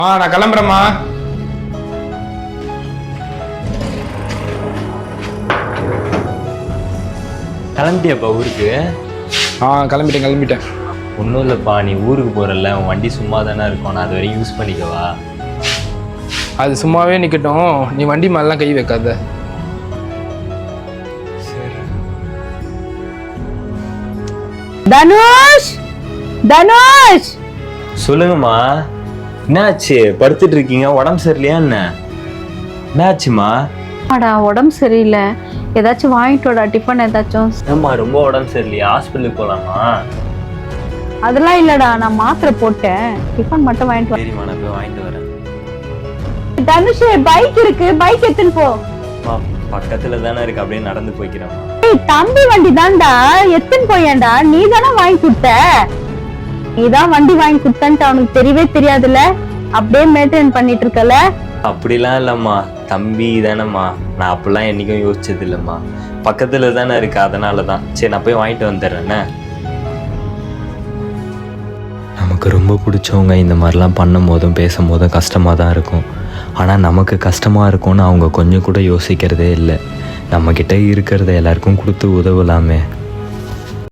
நான் கிளம்புறேம்மா. கிளம்பிட்டியாப்பா ஊருக்கு? கிளம்பிட்டேன். ஒன்றும் இல்லைப்பா, நீ ஊருக்கு போகிறல்ல, உன் வண்டி சும்மா தானே இருக்கும், நான் அது வரையும் யூஸ் பண்ணிக்கவா? அது சும்மாவே நிற்கட்டும், நீ வண்டி மேலாம் கை வைக்காத. தனுஷ், தனுஷ், சொல்லுங்கம்மா. என்னாச்சு? படுத்துட்டு இருக்கீங்க, உடம்பு சரியில்லையா என்ன? என்னாச்சுமா? உடம்பு சரியில்லை, ஏதாச்சும் வாங்கிட்டு வாடா, டிஃபன் ஏதாச்சும். ஏம்மா ரொம்ப உடம்பு சரியில்லையா? ஹாஸ்பிட்டலுக்கு போகலாமா? அதெல்லாம் இல்லடா, நான் மாத்திரை போட்டேன், டிஃபன் மட்டும் வாங்கிட்டு வா. சரிம்மா, நான் போய் வாங்கிட்டு வரேன். தனுஷ், பைக் இருக்கு, பைக் எடுத்துன்னு போ. பக்கத்துல தானே இருக்கு, அப்படியே நடந்து போய்க்கிறேன். தம்பி வண்டி தான்டா, எத்தனை போயேன்டா, நீ தானே வாங்கி கொடுத்த. நீதான் வண்டி வாங்கி கொடுத்தன்ட்டு அவனுக்கு தெரியவே தெரியாதுல்ல, அப்படியே மெயின்டைன் பண்ணிட்டு இருக்கல. அப்படிலாம் இல்லைம்மா, தம்பி தானேம்மா, நான் அப்படிலாம் என்னைக்கும் யோசிச்சது இல்லைம்மா. பக்கத்துல தானே இருக்கு, அதனால தான். சரி, நான் போய் வாங்கிட்டு வந்துடுறேண்ணே. நமக்கு ரொம்ப பிடிச்சவங்க இந்த மாதிரிலாம் பண்ணும் போதும் பேசும் போதும் கஷ்டமாக தான் இருக்கும். ஆனால் நமக்கு கஷ்டமாக இருக்கும்னு அவங்க கொஞ்சம் கூட யோசிக்கிறதே இல்லை. நம்மக்கிட்ட இருக்கிறத எல்லாருக்கும் கொடுத்து உதவலாமே.